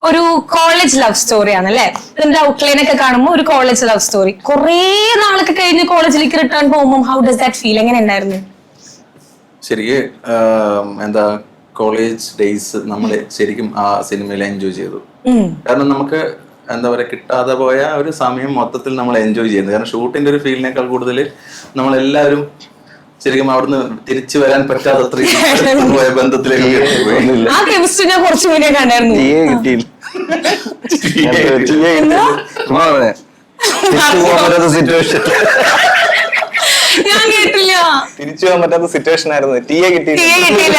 ഒരു college love story ആണ് അല്ലെ. ഇതിന്റെ ഔട്ട്ലൈൻ ഒക്കെ കാണുമ്പോൾ ഒരു കോളേജ് ലവ് സ്റ്റോറി. കുറെ നാളൊക്കെ കഴിഞ്ഞ് കോളേജിലേക്ക് റിട്ടേൺ പോകുമ്പോൾ ഹൗ ഡസ് ദാറ്റ് ഫീൽ? എങ്ങനെ ഉണ്ടായിരുന്നു? എന്താ കോളേജ് ഡേയ്സ് നമ്മൾ ശരിക്കും ആ സിനിമയിൽ എൻജോയ് ചെയ്തു. കാരണം നമുക്ക് എന്താ പറയാ കിട്ടാതെ പോയ ഒരു സമയം മൊത്തത്തിൽ നമ്മൾ എൻജോയ് ചെയ്യുന്നത്. കാരണം ഷൂട്ടിന്റെ ഒരു ഫീലിനേക്കാൾ കൂടുതൽ നമ്മളെല്ലാവരും ശരിക്കും അവിടുന്ന് തിരിച്ചു വരാൻ പറ്റാത്ത പോയ ബന്ധത്തിലേക്ക് ആ കെമിസ്ട്രി ഞാൻ കുറച്ചു മുന്നേ കണ്ടായിരുന്നു. ഞാൻ കേട്ടില്ല. തിരിച്ചു പോകാൻ പറ്റാത്ത സിറ്റുവേഷൻ ആയിരുന്നു. ടീയെ കിട്ടിയില്ല.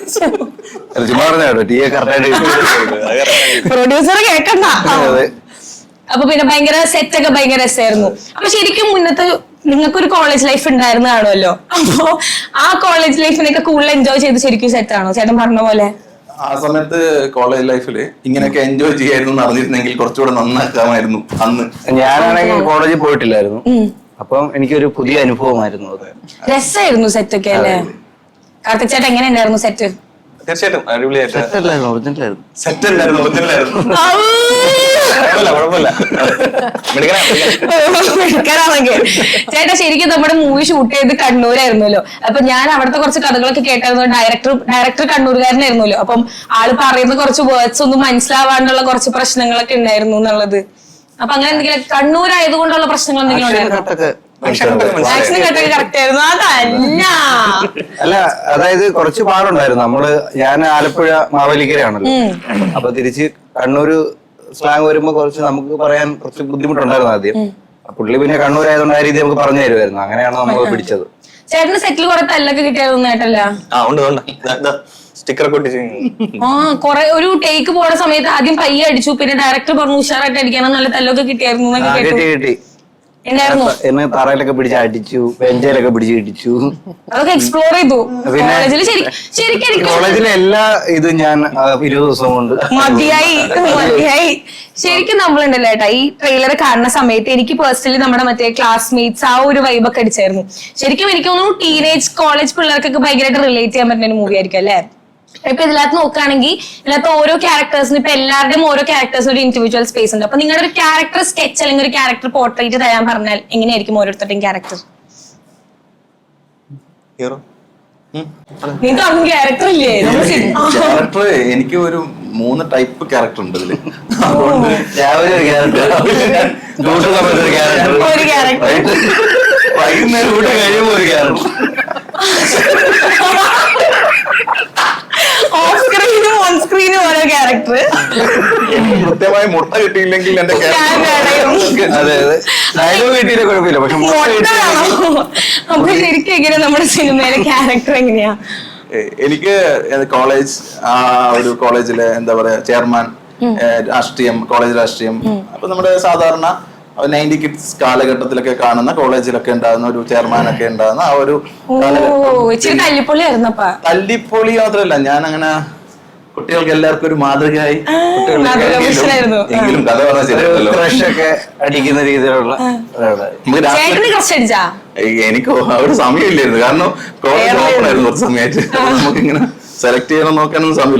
പ്രൊഡ്യൂസർ കേക്കണ്ട. അപ്പൊ പിന്നെ ഭയങ്കര സെറ്റ് ഒക്കെ ഭയങ്കര രസമായിരുന്നു. അപ്പൊ ശരിക്കും മുന്നത്തെ നിങ്ങൾക്കൊരു കോളേജ് ലൈഫ് ഉണ്ടായിരുന്നു കാണുമല്ലോ. അപ്പൊ ആ കോളേജ് ലൈഫിനൊക്കെ കൂടുതൽ എൻജോയ് ചെയ്ത് ശരിക്കും സെറ്റ് ആണോ ചേട്ടൻ പറഞ്ഞ പോലെ? ആ സമയത്ത് കോളേജ് ലൈഫില് ഇങ്ങനെയൊക്കെ എൻജോയ് ചെയ്യായിരുന്നു നടന്നിരുന്നെങ്കിൽ കുറച്ചുകൂടെ നന്നാക്കാമായിരുന്നു. അന്ന് ഞാനാണെങ്കിൽ കോളേജിൽ പോയിട്ടില്ലായിരുന്നു. അപ്പം എനിക്കൊരു പുതിയ അനുഭവമായിരുന്നു അത്. രസമായിരുന്നു സെറ്റ് ഒക്കെ അല്ലേ? കാർത്തിക് ചേട്ടൻ എങ്ങനെ ഉണ്ടായിരുന്നു സെറ്റ്? തീർച്ചയായിട്ടും അടിപൊളിയായിട്ട് സെറ്റ് അല്ലായിരുന്നു, ഒറിജിനലായിരുന്നു. സെറ്റ് അല്ലായിരുന്നു, ഒറിജിനലായിരുന്നു. ചേട്ടാ ശരിക്കും നമ്മുടെ മൂവി ഷൂട്ട് ചെയ്ത് കണ്ണൂരായിരുന്നല്ലോ. അപ്പൊ ഞാൻ അവിടുത്തെ കുറച്ച് കഥകളൊക്കെ കേട്ടായിരുന്നു. ഡയറക്ടർ കണ്ണൂരുകാരനായിരുന്നല്ലോ. അപ്പം ആള് പറയുന്ന കുറച്ച് വേർഡ്സ് ഒന്നും മനസ്സിലാവാണ്ടുള്ള കുറച്ച് പ്രശ്നങ്ങളൊക്കെ ഉണ്ടായിരുന്നു എന്നുള്ളത്. അപ്പൊ അങ്ങനെ എന്തെങ്കിലും കണ്ണൂരായതുകൊണ്ടുള്ള പ്രശ്നങ്ങൾ എന്തെങ്കിലും ഉണ്ടായിരുന്നു? അല്ല, അതായത് കുറച്ച് പാടുണ്ടായിരുന്നു. ഞാൻ ആലപ്പുഴ മാവേലിക്കരയാണല്ലോ. അപ്പൊ തിരിച്ച് കണ്ണൂര് സ്ലാങ് വരുമ്പോ കുറച്ച് നമുക്ക് പറയാൻ കുറച്ച് ബുദ്ധിമുട്ടുണ്ടായിരുന്നു ആദ്യം. പുള്ളി പിന്നെ കണ്ണൂരായതുകൊണ്ട് ആ രീതി നമുക്ക് പറഞ്ഞു തരുമായിരുന്നു. അങ്ങനെയാണ് നമ്മൾ പിടിച്ചത്. ചേട്ടന് സെറ്റിൽ കുറെ തല്ലൊക്കെ കിട്ടിയതൊന്നും കേട്ടല്ല? സ്റ്റിക്കർ കൊറേ ഒരു ടേക്ക് പോണ സമയത്ത് ആദ്യം പയ്യെ അടിച്ചു, പിന്നെ ഡയറക്ടർ പറഞ്ഞു ഉഷാറായിട്ട് അടിക്കണം, നല്ല തല്ലൊക്കെ കിട്ടിയായിരുന്നു. എന്നെ തറയിലൊക്കെ പിടിച്ച് അടിച്ചു, ബെഞ്ചയിലൊക്കെ പിടിച്ച് ഇടിച്ചു. അതൊക്കെ എക്സ്പ്ലോർ ചെയ്തു. കോളേജിലെ എല്ലാ ഇതും ഞാൻ 20 ദിവസം കൊണ്ട് മതിയായി. ശരിക്കും നമ്മളുണ്ടല്ലോ ഏട്ടാ, ഈ ട്രെയിലർ കാണുന്ന സമയത്ത് എനിക്ക് പേഴ്സണലി നമ്മുടെ മറ്റേ ക്ലാസ്മേറ്റ്സ് ആ ഒരു വൈബൊക്കെ അടിച്ചായിരുന്നു. ശരിക്കും എനിക്ക് തോന്നുന്നു ടീനേജ് കോളേജ് പിള്ളേർക്കൊക്കെ ഭയങ്കരമായിട്ട് റിലേറ്റ് ചെയ്യാൻ പറ്റുന്ന ഒരു മൂവി ആയിരിക്കും അല്ലെ? ഇപ്പൊ ഇതിനകത്ത് നോക്കുകയാണെങ്കിൽ ഇതിനകത്ത് ഓരോ ക്യാരക്ടേഴ്സിന് ഇപ്പൊ എല്ലാവരുടെയും ഓരോ ക്യാരക്ടേഴ്സിന് ഒരു ഇൻഡിവിജ്വൽ സ്പേസ് ഉണ്ട്. അപ്പൊ നിങ്ങളുടെ ഒരു ക്യാരക്ടർ സ്കെച്ച് അല്ലെങ്കിൽ ഒരു ക്യാരക്ടർ പോർട്രേറ്റ് തരാൻ പറഞ്ഞാൽ എങ്ങനെയായിരിക്കും ഓരോരുത്തരുടെയും ക്യാരക്ടർ? ക്യാരക്ടർ ഇല്ലേ? ക്യാരക്ടർ എനിക്ക് ഒരു 3 ടൈപ്പ് ക്യാരക്ടർ ഉണ്ട് ഇതില്. രാവിലെ ഒരു ക്യാരക്ടർ, ഒരു ക്യാരക്ടർ, വൈകുന്നേരം കൂടെ കഴിയുമ്പോ ഒരു ക്യാരക്ടർ, ഓഫ് സ്ക്രീനും ഓൺ സ്ക്രീനും ഓരോ ക്യാരക്ടർ. കൃത്യമായി മുട്ട കിട്ടിയില്ലെങ്കിൽ എന്റെ ഡയലോഗ് കിട്ടിയില്ല കുഴപ്പമില്ല. പക്ഷെ അപ്പൊ ശരിക്കും എങ്ങനെയാ നമ്മുടെ സിനിമയിലെ ക്യാരക്ടർ എങ്ങനെയാ? എനിക്ക് കോളേജ് ഒരു കോളേജിലെ എന്താ പറയാ ചെയർമാൻ, രാഷ്ട്രീയം, കോളേജ് രാഷ്ട്രീയം. അപ്പൊ നമ്മുടെ സാധാരണ 90 കിഡ്സ് കാലഘട്ടത്തിലൊക്കെ കാണുന്ന കോളേജിലൊക്കെ ഉണ്ടാകുന്ന ഒരു ചെയർമാനൊക്കെ ഉണ്ടാകുന്ന ആ ഒരു തല്ലിപ്പൊളി മാത്രമല്ല, ഞാൻ അങ്ങനെ കുട്ടികൾക്ക് എല്ലാവർക്കും ഒരു മാതൃകയായി എങ്കിലും കഥ പറഞ്ഞാൽ ക്രഷൊക്കെ അടിക്കുന്ന രീതിയിലുള്ള. എനിക്ക് ഒരു സമയമില്ലായിരുന്നു. കാരണം കോളേജ് ഓപ്പൺ ആയിരുന്നു കുറച്ച് സമയമായിട്ട്. നമുക്കിങ്ങനെ സെലക്ട് ചെയ്യണം നോക്കാനൊന്നും സമയമില്ല.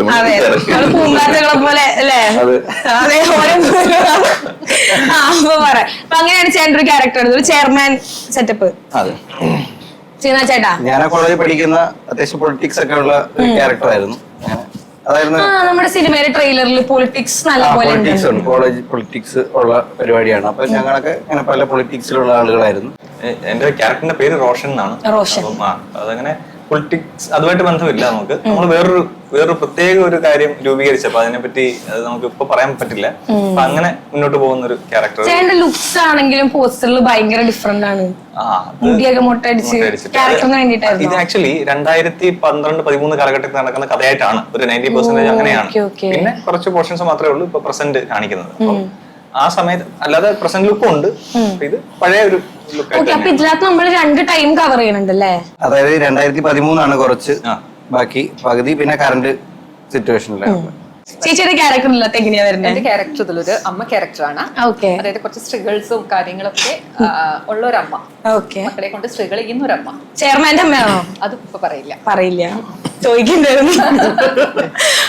അങ്ങനെയാണ് ചേട്ടൻ ഒരു ക്യാരക്ടർ, ഒരു ചെയർമാൻ സെറ്റപ്പ്. ചേട്ടാ ഞാൻ ആ കോളേജിൽ പഠിക്കുന്ന അത്യാവശ്യം പൊളിറ്റിക്സ് ഒക്കെ ഉള്ള ക്യാരക്ടർ ആയിരുന്നു. നമ്മുടെ സിനിമയിലെ ട്രെയിലറിൽ പൊളിറ്റിക്സ് നല്ല പോലെ കോളേജ് പൊളിറ്റിക്സ് ഉള്ള പരിപാടിയാണ്. അപ്പൊ ഞങ്ങളൊക്കെ ഇങ്ങനെ പല പൊളിറ്റിക്സിലുള്ള ആളുകളായിരുന്നു. എന്റെ ക്യാരക്ടറിന്റെ പേര് റോഷൻ എന്നാണ്. അതങ്ങനെ പൊളിറ്റിക്സ് അതുമായിട്ട് ബന്ധമില്ല. നമ്മൾ വേറൊരു പ്രത്യേക ഒരു കാര്യം രൂപീകരിച്ചപ്പോ അതിനെപ്പറ്റി അത് നമുക്ക് ഇപ്പൊ പറയാൻ പറ്റില്ല. അപ്പൊ അങ്ങനെ മുന്നോട്ട് പോകുന്ന ഒരു ക്യാരക്ടർ. ലുക്സ് ആണെങ്കിലും പോസ്റ്ററിൽ ഭയങ്കര ഡിഫറെന്റ് ആണ്. ഇത് ആക്ച്വലി 2012-13 കാലഘട്ടത്തിൽ നടക്കുന്ന കഥയായിട്ടാണ്. ഒരു 90% അങ്ങനെയാണ്. പിന്നെ കുറച്ച് പോർഷൻസ് മാത്രമേ ഉള്ളൂ ഇപ്പൊ പ്രസന്റ് കാണിക്കുന്നത്. ആ സമയത്ത് അല്ലാതെ പ്രസന്റ് ലുക്കും ഉണ്ട്. ഇത് പഴയ ഒരു ഇതിനകത്ത് നമ്മൾ 2 ടൈം കവർ ചെയ്യുന്നുണ്ടല്ലേ? അതായത് 2013 കുറച്ച്, ബാക്കി പകുതി പിന്നെ കറന്റ് സിറ്റുവേഷനിലാണ്. ചേച്ചിയുടെ ക്യാരക്ടർ എങ്ങനെയാ വരുന്നത്? എന്റെ ക്യാരക്ടർ ഇതിലൊരു അമ്മ ക്യാരക്ടറാണ്. അതായത് കുറച്ച് സ്ട്രഗിൾസും കാര്യങ്ങളൊക്കെ ഉള്ള ഒരു അമ്മ. മക്കളെ കൊണ്ട് സ്ട്രഗിൾ ചെയ്യുന്ന ഒരു അമ്മ. ചെയർമാന്റെ അമ്മയാണോ? അത് ഇപ്പൊ പറയില്ല ചോദിക്കണ്ടായിരുന്നു.